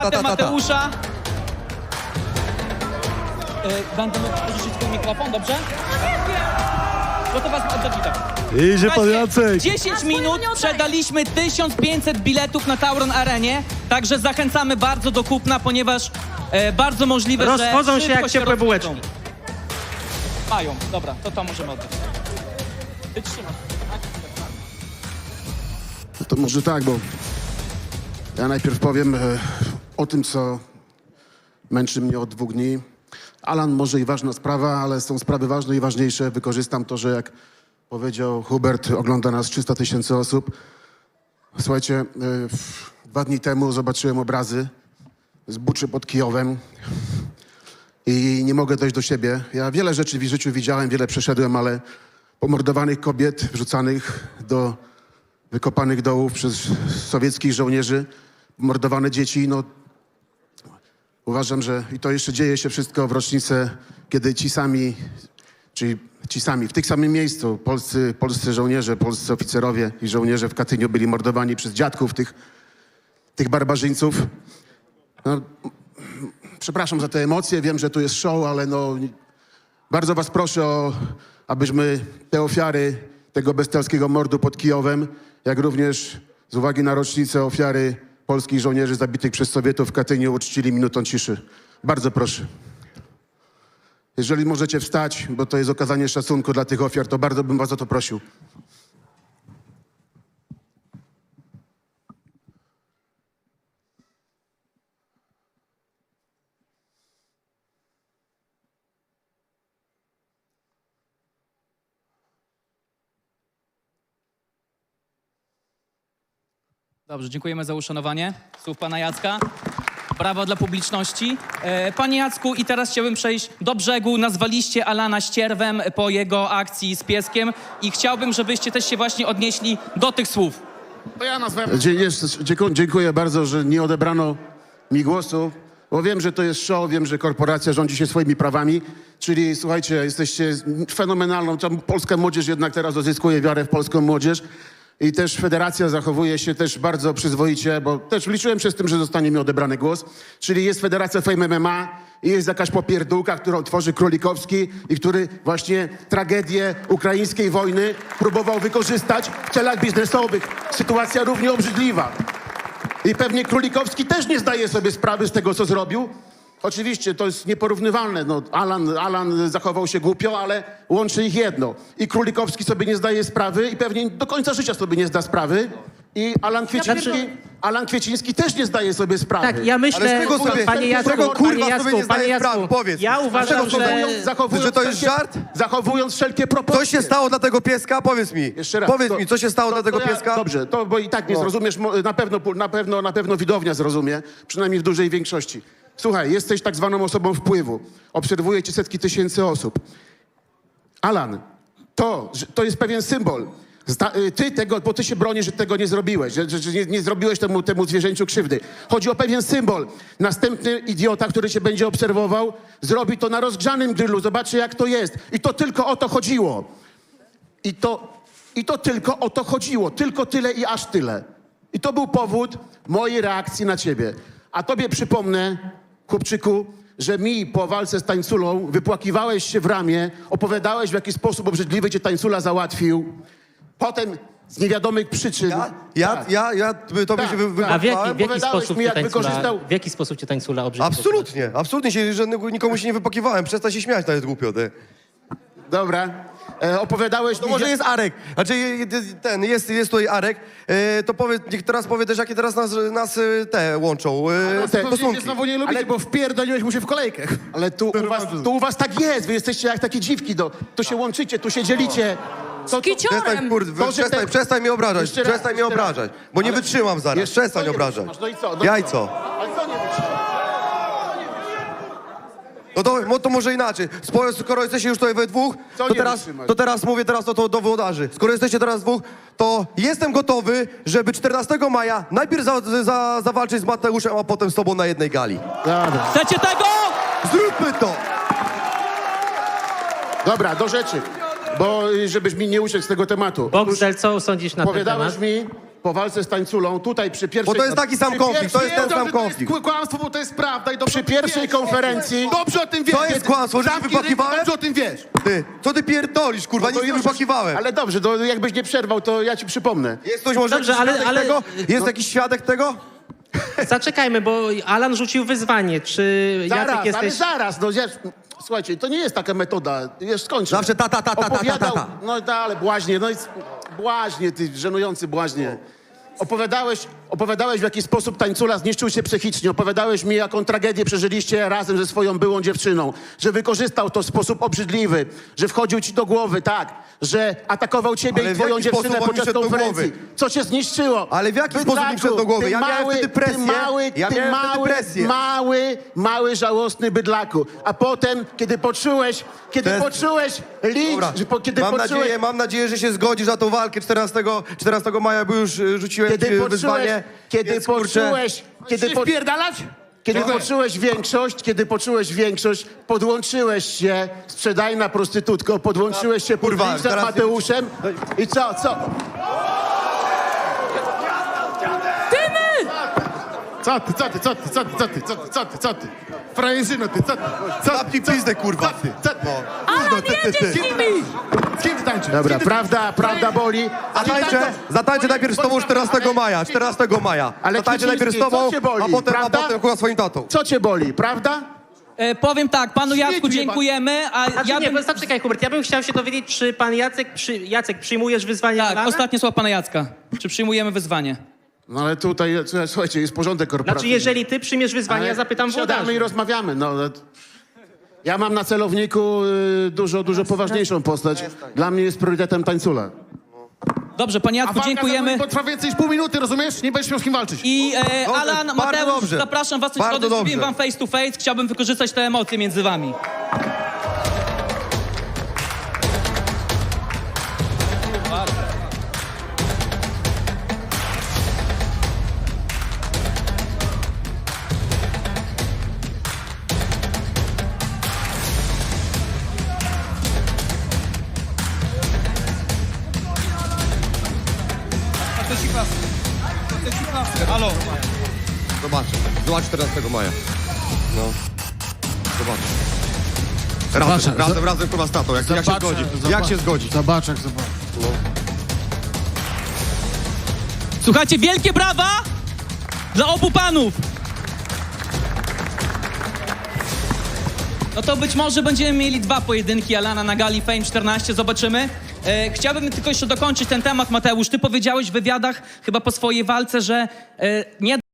Mateusza. Będę mógł użyć twój mikrofon, dobrze? Gotowa do gitara. Idzie pan Jacek. 10 minut sprzedaliśmy 1500 biletów na Tauron Arenie, także zachęcamy bardzo do kupna, ponieważ bardzo możliwe, że Rozchodzą się szybko jak ciepłe rozchodzą. bułeczki. Mają, dobra, to możemy oddać. Wytrzymasz. To może tak, bo ja najpierw powiem o tym, co męczy mnie od 2 dni. Alan, może i ważna sprawa, ale są sprawy ważne i ważniejsze. Wykorzystam to, że jak powiedział Hubert, ogląda nas 300 000 osób. Słuchajcie, 2 dni temu zobaczyłem obrazy z Buczy pod Kijowem i nie mogę dojść do siebie. Ja wiele rzeczy w życiu widziałem, wiele przeszedłem, ale pomordowanych kobiet, wrzucanych do wykopanych dołów przez sowieckich żołnierzy, mordowane dzieci, no uważam, że i to jeszcze dzieje się wszystko w rocznicę, kiedy ci sami, w tym samym miejscu, polscy żołnierze, polscy oficerowie i żołnierze w Katyniu byli mordowani przez dziadków tych barbarzyńców. No, przepraszam za te emocje, wiem, że tu jest show, ale no bardzo was proszę abyśmy te ofiary tego bestialskiego mordu pod Kijowem, jak również z uwagi na rocznicę ofiary polskich żołnierzy zabitych przez Sowietów w Katyniu uczcili minutą ciszy. Bardzo proszę. Jeżeli możecie wstać, bo to jest okazanie szacunku dla tych ofiar, to bardzo bym was o to prosił. Dobrze, dziękujemy za uszanowanie słów pana Jacka. Brawo dla publiczności. Panie Jacku, i teraz chciałbym przejść do brzegu. Nazwaliście Alana ścierwem po jego akcji z pieskiem i chciałbym, żebyście też się właśnie odnieśli do tych słów. To ja nazwałem. Dziękuję bardzo, że nie odebrano mi głosu, bo wiem, że to jest show, wiem, że korporacja rządzi się swoimi prawami, czyli słuchajcie, jesteście fenomenalną, tam polska młodzież jednak teraz odzyskuje wiarę w polską młodzież i też federacja zachowuje się też bardzo przyzwoicie, bo też liczyłem się z tym, że zostanie mi odebrany głos, czyli jest Federacja Fame MMA i jest jakaś popierdółka, którą tworzy Królikowski i który właśnie tragedię ukraińskiej wojny próbował wykorzystać w celach biznesowych. Sytuacja równie obrzydliwa. I pewnie Królikowski też nie zdaje sobie sprawy z tego, co zrobił. Oczywiście to jest nieporównywalne. No, Alan zachował się głupio, ale łączy ich jedno. I Królikowski sobie nie zdaje sprawy i pewnie do końca życia sobie nie zda sprawy. I Alan Kwieciński też nie zdaje sobie sprawy. Tak, ja myślę, panie Jacku, powiedz. ja uważam, że to jest żart? Zachowując wszelkie proporcje. Co się stało dla tego pieska? Powiedz mi. Jeszcze raz. Powiedz mi, co się stało dla tego pieska? Dobrze, to bo i tak nie zrozumiesz, na pewno widownia zrozumie, przynajmniej w dużej większości. Słuchaj, jesteś tak zwaną osobą wpływu. Obserwuje cię setki tysięcy osób. Alan, to jest pewien symbol. Bo ty się bronisz, że tego nie zrobiłeś, że nie zrobiłeś temu zwierzęciu krzywdy. Chodzi o pewien symbol. Następny idiota, który cię będzie obserwował, zrobi to na rozgrzanym grillu. Zobaczy, jak to jest. I to tylko o to chodziło. I to tylko o to chodziło. Tylko tyle i aż tyle. I to był powód mojej reakcji na ciebie. A tobie przypomnę, chłopczyku, że mi po walce z tańculą wypłakiwałeś się w ramię, opowiadałeś, w jaki sposób obrzydliwy cię tańcula załatwił. Potem z niewiadomych przyczyn... A w jaki sposób cię tańcula obrzydził? Absolutnie nikomu się nie wypakiwałem. Przestań się śmiać, to jest głupio, ty. Dobra. Opowiadałeś To mi... może jest Arek. Znaczy, jest tutaj Arek. To niech teraz powie też, jakie teraz nas te łączą stosunki. Znowu nie lubicie, bo wpierdoliłeś mu się w kolejkę. Ale tu u was tak jest. Wy jesteście jak takie dziwki. Tu się łączycie, tu się dzielicie. Przestań mnie obrażać. Przestań mnie obrażać. Bo nie wytrzymam zaraz. Przestań obrażać. No i co? Jajco. Ale co nie wytrzymasz? No to może inaczej. Skoro jesteście już tutaj we dwóch, to teraz mówię do włodarzy. Skoro jesteście teraz dwóch, to jestem gotowy, żeby 14 maja najpierw zawalczyć z Mateuszem, a potem z tobą na jednej gali. Dobra. Chcecie tego? Zróbmy to! Dobra, do rzeczy. Bo żebyś mi nie uciekł z tego tematu. Boxel, co sądzisz na ten temat? Opowiadałeś mi, po walce z tańculą, tutaj przy pierwszej... Bo to jest taki sam konflikt, to jest ten sam konflikt. To jest kłamstwo, bo to jest prawda i dobrze Przy pierwszej konferencji... Dobrze o tym wiesz. To jest kłamstwo, że ci Zamknij ryj, wypakiwałem? Dobrze o tym wiesz. Ty, co ty pierdolisz, kurwa, No to nic nie już- wypakiwałem. Ale dobrze, to jakbyś nie przerwał, to ja ci przypomnę. Jest ktoś może Dobrze, jakiś świadek ale- tego? Jest jakiś świadek tego? Zaczekajmy, bo Alan rzucił wyzwanie. Czy Zaraz, Jacek ale jesteś... zaraz, no słuchajcie, to nie jest taka metoda, wiesz, skończę. Zawsze ta. Opowiadał, no ale błaźnie, no i błaźnie, ty żenujący błaźnie. Opowiadałeś, w jaki sposób tańcula zniszczył się psychicznie. Opowiadałeś mi, jaką tragedię przeżyliście razem ze swoją byłą dziewczyną. Że wykorzystał to w sposób obrzydliwy. Że wchodził ci do głowy, tak. Że atakował ciebie Ale i w twoją jaki dziewczynę sposób on mi podczas wszedł do konferencji. głowy? Co cię zniszczyło? Ale w jaki sposób mi wszedł do głowy? Ja miałem wtedy presję. Ja miałem wtedy presję. Mały, żałosny bydlaku. A potem, kiedy poczułeś licz, Dobra, kiedy poczułeś... mam nadzieję, że się zgodzisz na tą walkę 14 maja, bo już rzuciłem ci wyzwanie. Więc, kurczę, Kiedy poczułeś większość, podłączyłeś się, sprzedajna prostytutko, podłączyłeś się Kurwa, kurwa, z teraz- Mateuszem i co? Co ty? Frajerzyno ty, co ty? Zapnij pizdę, kurwa. Co ty? Alan jedzie z nimi! Z kim ty tańczysz? Dobra, prawda boli. Zatańczę najpierw z tobą 14 maja. Ale Zatańczę najpierw z Kiciński, tobą, co cię boli, a potem prawda? kurwa swoim tatą. Co cię boli, prawda? Powiem tak, panu Jacku Śmieciu dziękujemy, a Znaczy, ja nie, bym... bo zaczekaj, Hubert, ja bym chciał się dowiedzieć, czy pan Jacek, przyjmujesz wyzwanie Tak, Alana? ostatnie słowa pana Jacka. Czy przyjmujemy wyzwanie? No ale tutaj, słuchajcie, jest porządek Znaczy, korporacyjny. jeżeli ty przyjmiesz wyzwanie, ja zapytam Siadamy włodarzy. i rozmawiamy, no. Ja mam na celowniku dużo poważniejszą postać. Dla mnie jest priorytetem tańcula. Dobrze, panie Jacku, dziękujemy. Bo trwa więcej niż pół minuty, rozumiesz? Nie będziesz miał z kim walczyć. I Dobrze, Alan, bardzo Mateusz, dobrze. zapraszam was na Bardzo środę, zrobimy dobrze. wam face to face. Chciałbym wykorzystać te emocje między wami. Halo. Zobacz 14 maja. No. Zobacz. Razem kurwa z tatą, jak się zgodzi. Jak się zgodzi. Zobacz. Słuchajcie, wielkie brawa dla obu panów. No to być może będziemy mieli 2 pojedynki Alana na gali Fame 14, zobaczymy. Chciałbym tylko jeszcze dokończyć ten temat, Mateusz. Ty powiedziałeś w wywiadach, chyba po swojej walce, że nie